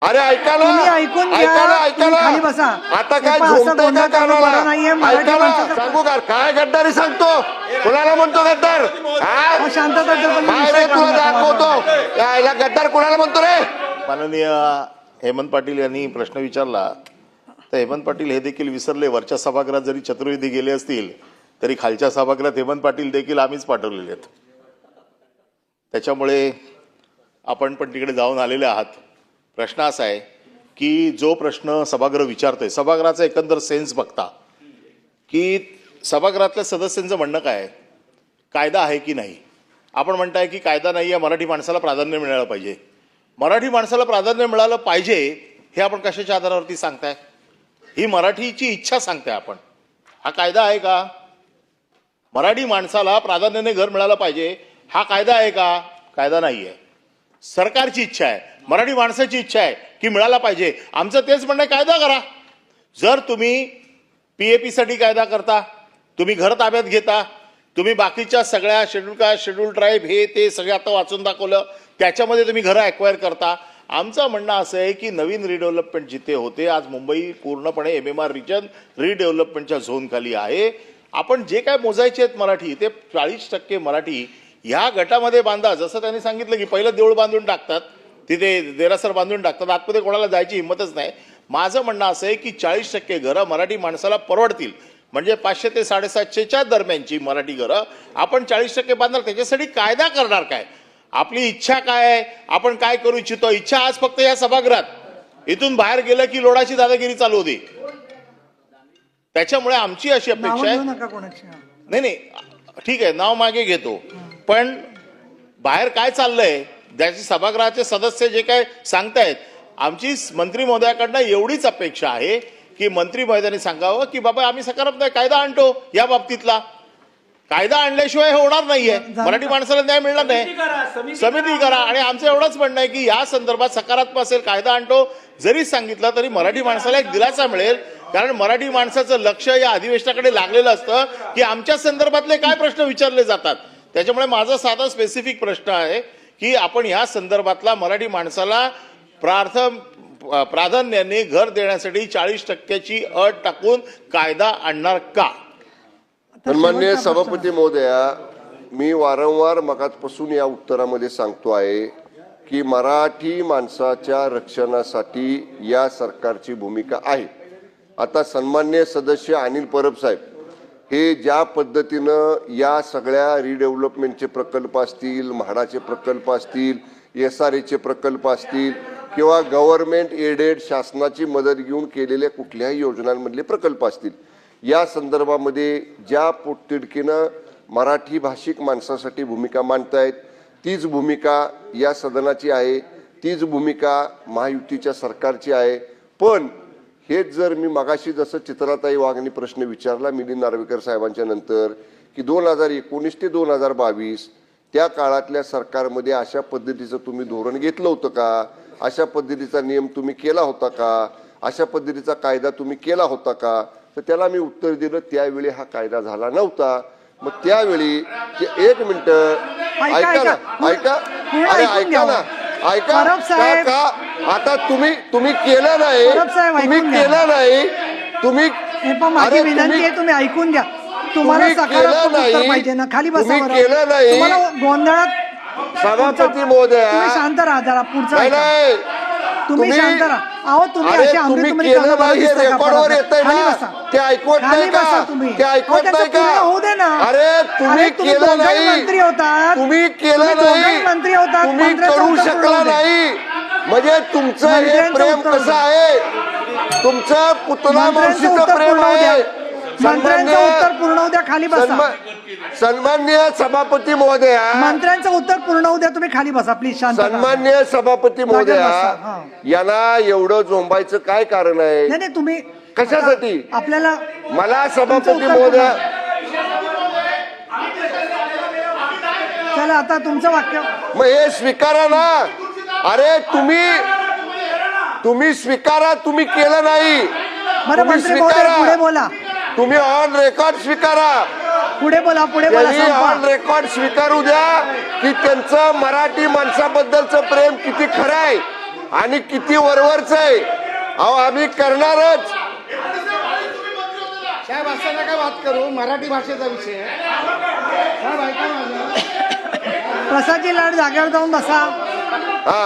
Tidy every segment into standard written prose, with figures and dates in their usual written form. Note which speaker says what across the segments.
Speaker 1: अरे ऐका ना, ऐका ना, ऐका ना, आता काय झोमतोय का कानाला? ऐका ना, सांगू का काय गद्दारी सांगतो? कुणाला म्हणतो गद्दार? तुला दाखवतो याला गद्दार कुणाला म्हणतो रे? माननीय हेमंत पाटील यांनी प्रश्न विचारला तर हेमंत पाटील हे देखील विसरले, वरच्या सभागृहात जरी चतुर्वेदी गेले असतील तरी खालच्या सभागृहात हेमंत पाटील देखील आम्हीच पाठवलेले आहेत. त्याच्यामुळे आपण पण तिकडे जाऊन आलेले आहात. प्रश्न असा आहे की जो प्रश्न सभागृह विचारतोय, सभागृहाचा एकंदर सेन्स बघता की सभागृहातल्या सदस्यांचं म्हणणं काय आहे, कायदा आहे की नाही. आपण म्हणताय की कायदा नाही आहे, मराठी माणसाला प्राधान्य मिळालं पाहिजे. मराठी माणसाला प्राधान्य मिळालं पाहिजे हे आपण कशाच्या आधारावरती सांगताय? ही मराठीची इच्छा सांगताय आपण. हा कायदा आहे का? मराठी माणसाला प्राधान्याने घर मिळालं पाहिजे हा कायदा आहे का? कायदा नाही आहे. सरकारची इच्छा आहे, मराठी माणसाची इच्छा आहे की मिळाला पाहिजे. आमचं तेच म्हणणं आहे, कायदा करा. जर तुम्ही PAP साठी कायदा करता, तुम्ही घर ताब्यात घेता, तुम्ही बाकीच्या सगळ्या शेड्यूल कास्ट, शेड्यूल ट्राईब हे ते सगळे आता वाचून दाखवलं, त्याच्यामध्ये तुम्ही घरं ॲक्वायर करता. आमचं म्हणणं असं आहे की नवीन रिडेव्हलपमेंट जिथे होते, आज मुंबई पूर्णपणे MMR रिजन रिडेव्हलपमेंटच्या झोनखाली आहे. आपण जे काय मोजायचे आहेत मराठी, ते 40% मराठी ह्या गटामध्ये बांधा. जसं त्यांनी सांगितलं की पहिलं देऊळ बांधून टाकतात, तिथे देरासर बांधून टाकतात, आतमध्ये कोणाला जायची हिंमतच नाही. माझं म्हणणं असं आहे की 40% घरं मराठी माणसाला परवडतील, म्हणजे 500 ते 750च्या दरम्यानची मराठी घरं आपण 40% बांधणार. त्याच्यासाठी कायदा करणार काय? आपली इच्छा काय आहे, आपण काय करू इच्छितो? इच्छा आज फक्त या सभागृहात, इथून बाहेर गेलं की लोडाची दादागिरी चालू होती. त्याच्यामुळे आमची अशी अपेक्षा आहे, नाही ठीक आहे नाव मागे घेतो, पण बाहेर काय चाललंय त्याची सभागृहाचे सदस्य जे काय सांगतायत, आमची मंत्री महोदयाकडनं एवढीच अपेक्षा आहे की मंत्री महोदयांनी सांगावं की बाबा आम्ही सकारात्मक कायदा आणतो. या बाबतीतला कायदा आणल्याशिवाय हे होणार नाहीये, मराठी माणसाला न्याय मिळणार नाही. समिती करा. आणि आमचं एवढंच म्हणणं आहे की या संदर्भात सकारात्मक असेल, कायदा आणतो जरी सांगितलं तरी मराठी माणसाला एक दिलासा मिळेल. कारण मराठी माणसाचं लक्ष या अधिवेशनाकडे लागलेलं असतं की आमच्या संदर्भातले काय प्रश्न विचारले जातात. त्याच्यामुळे माझा साधा स्पेसिफिक प्रश्न आहे की आपण ह्या संदर्भातला मराठी माणसाला प्राधान्याने घर देण्यासाठी 40%ची अट टाकून कायदा आणणार का?
Speaker 2: सन्माननीय सभापती महोदया, मी वारंवार मगाचपासून या उत्तरामध्ये सांगतो आहे की मराठी माणसाच्या रक्षणासाठी या सरकारची भूमिका आहे. आता सन्माननीय सदस्य अनिल परब साहेब हे ज्या पद्धतीनं या सगळ्या रिडेव्हलपमेंटचे प्रकल्प असतील, म्हाडाचे प्रकल्प असतील, SRAचे प्रकल्प असतील किंवा गव्हर्नमेंट एडेड शासनाची मदत घेऊन केलेल्या कुठल्याही योजनांमधले प्रकल्प असतील, या संदर्भामध्ये ज्या पोटतिडकीनं मराठी भाषिक माणसासाठी भूमिका मांडतायत तीच भूमिका या सदनाची आहे, तीच भूमिका महायुतीच्या सरकारची आहे. पण हेच जर मी मगाशी जसं चित्राताई वाघनी प्रश्न विचारला मिलिंद नार्वेकर साहेबांच्या नंतर की 2019 ते 2022 त्या काळातल्या सरकारमध्ये अशा पद्धतीचं तुम्ही धोरण घेतलं होतं का? अशा पद्धतीचा नियम तुम्ही केला होता का? अशा पद्धतीचा कायदा तुम्ही केला होता का? तर त्याला मी उत्तर दिलं, त्यावेळी हा कायदा झाला नव्हता. मग त्यावेळी एक मिनिट ऐका ना, ऐका, अरे ऐका ना, ऐका का? आता तुम्ही केलं नाही, तुम्ही केलं नाही, तुम्ही
Speaker 3: तुम्ही ऐकून घ्या. तुम्हाला सकारात्मक उत्तर पाहिजे ना, खाली बसा.
Speaker 2: तुम्ही केलं नाही
Speaker 3: गोंधळात
Speaker 2: सभापती महोदया,
Speaker 3: तुम्ही शांत राहा जरा. पुढचा
Speaker 2: नाही
Speaker 3: तुम्ही शांत राहा. अहो तुम्ही असे आमरे
Speaker 2: केलं नाही, रेकॉर्डवर येतंय ना, ते ऐकवत नाही का? ते ऐकवत नाही का?
Speaker 3: होऊ दे ना.
Speaker 2: अरे तुम्ही केलं नाही,
Speaker 3: मंत्री होतात,
Speaker 2: तुम्ही केलं नाही,
Speaker 3: मंत्री होतात,
Speaker 2: तुम्ही करू शकला नाही. म्हणजे तुमचं हे प्रेम कसं आहे? तुमचं पुतला मावशीचं प्रेम आहे.
Speaker 3: मंत्र्यांचं उत्तर पूर्ण होऊ द्या. खाली बसा.
Speaker 2: सन्माननीय सभापती महोदया,
Speaker 3: मंत्र्यांचं उत्तर पूर्ण होऊ द्या. तुम्ही खाली बसा प्लीज. शांत.
Speaker 2: सन्माननीय सभापती महोदया, यांना एवढं झोंबायचं काय कारण आहे?
Speaker 3: नाही तुम्ही
Speaker 2: कशासाठी?
Speaker 3: आपल्याला
Speaker 2: मला सभापती महोदया,
Speaker 3: चला आता तुमचं वाक्य
Speaker 2: मग हे स्वीकारा ना. अरे तुम्ही स्वीकारा, तुम्ही केलं नाही.
Speaker 3: बरं मंत्री महोदय पुढे बोला.
Speaker 2: तुम्ही ऑन रेकॉर्ड स्वीकारा.
Speaker 3: पुढे बोला.
Speaker 2: ऑन रेकॉर्ड स्वीकारू द्या की त्यांचं मराठी माणसाबद्दलचं प्रेम किती खरं आहे आणि किती वरवरच आहे. अहो आम्ही करणारच.
Speaker 4: साहेब असं नका बात करू, मराठी भाषेचा विषय आहे. साहेब ऐका माझं.
Speaker 3: प्रसादजी लाड जागेवर जाऊन बसा.
Speaker 2: हा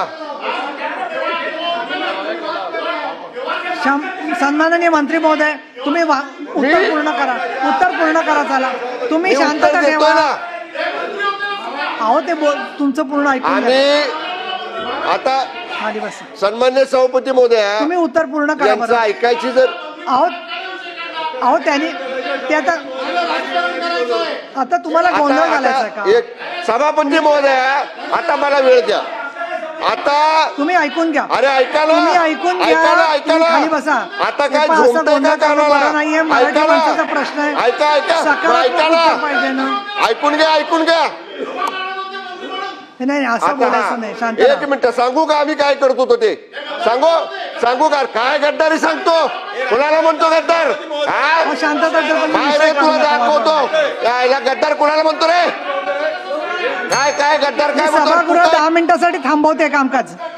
Speaker 3: सन्माननीय मंत्री महोदय, तुम्ही उत्तर पूर्ण करा. चला तुम्ही
Speaker 2: मी
Speaker 3: शांतता
Speaker 2: उत्तर
Speaker 3: ठेवा.
Speaker 2: देतोय ना.
Speaker 3: अहो ते तुमचं पूर्ण ऐकून घ्या.
Speaker 2: आणि आता
Speaker 3: खाली बसा.
Speaker 2: सन्मान्य सभापती महोदया,
Speaker 3: तुम्ही उत्तर पूर्ण करा
Speaker 2: यांचं
Speaker 3: बरं.
Speaker 2: ऐकायची जर
Speaker 3: अहो त्यांनी ते आता तुम्हाला गोंधळ घालायचा
Speaker 2: आता
Speaker 3: का?
Speaker 2: एक सभापती महोदया, आता मला वेळ द्या. आता
Speaker 3: तुम्ही ऐकून घ्या.
Speaker 2: अरे ऐका ना,
Speaker 3: तुम्ही ऐकून घ्या.
Speaker 2: ऐका ना, ऐका
Speaker 3: तुम्ही
Speaker 2: ना.
Speaker 3: खाली बसा.
Speaker 2: आता
Speaker 3: हे
Speaker 2: काय
Speaker 3: पहा, असं
Speaker 2: झोंबतंय
Speaker 3: गोंधळ
Speaker 2: का
Speaker 3: करणं
Speaker 2: कानाला?
Speaker 3: बरं नाहीये. मराठी
Speaker 2: ऐका ना.
Speaker 3: माणसाचा प्रश्न आहे.
Speaker 2: ऐका
Speaker 3: सकारात्मक
Speaker 2: ऐका
Speaker 3: उत्तर पाहिजे
Speaker 2: ना.
Speaker 3: ना.
Speaker 2: ऐकून घ्या.
Speaker 3: नाही असं बोलायचं नाही. शांत
Speaker 2: एक
Speaker 3: राहा.
Speaker 2: मिनिट सांगू का आम्ही काय करतो तो ते सांगू का? काय गद्दारी सांगतो? कोणाला म्हणतो गद्दार?
Speaker 3: अहो, शांतता ठेवा.
Speaker 2: काय रे तुला दाखवतो? याला गद्दार कोणाला म्हणतो रे? काय गद्दार काय म्हणतो?
Speaker 3: सभागृह 10 मिनिटासाठी थांबवते कामकाज.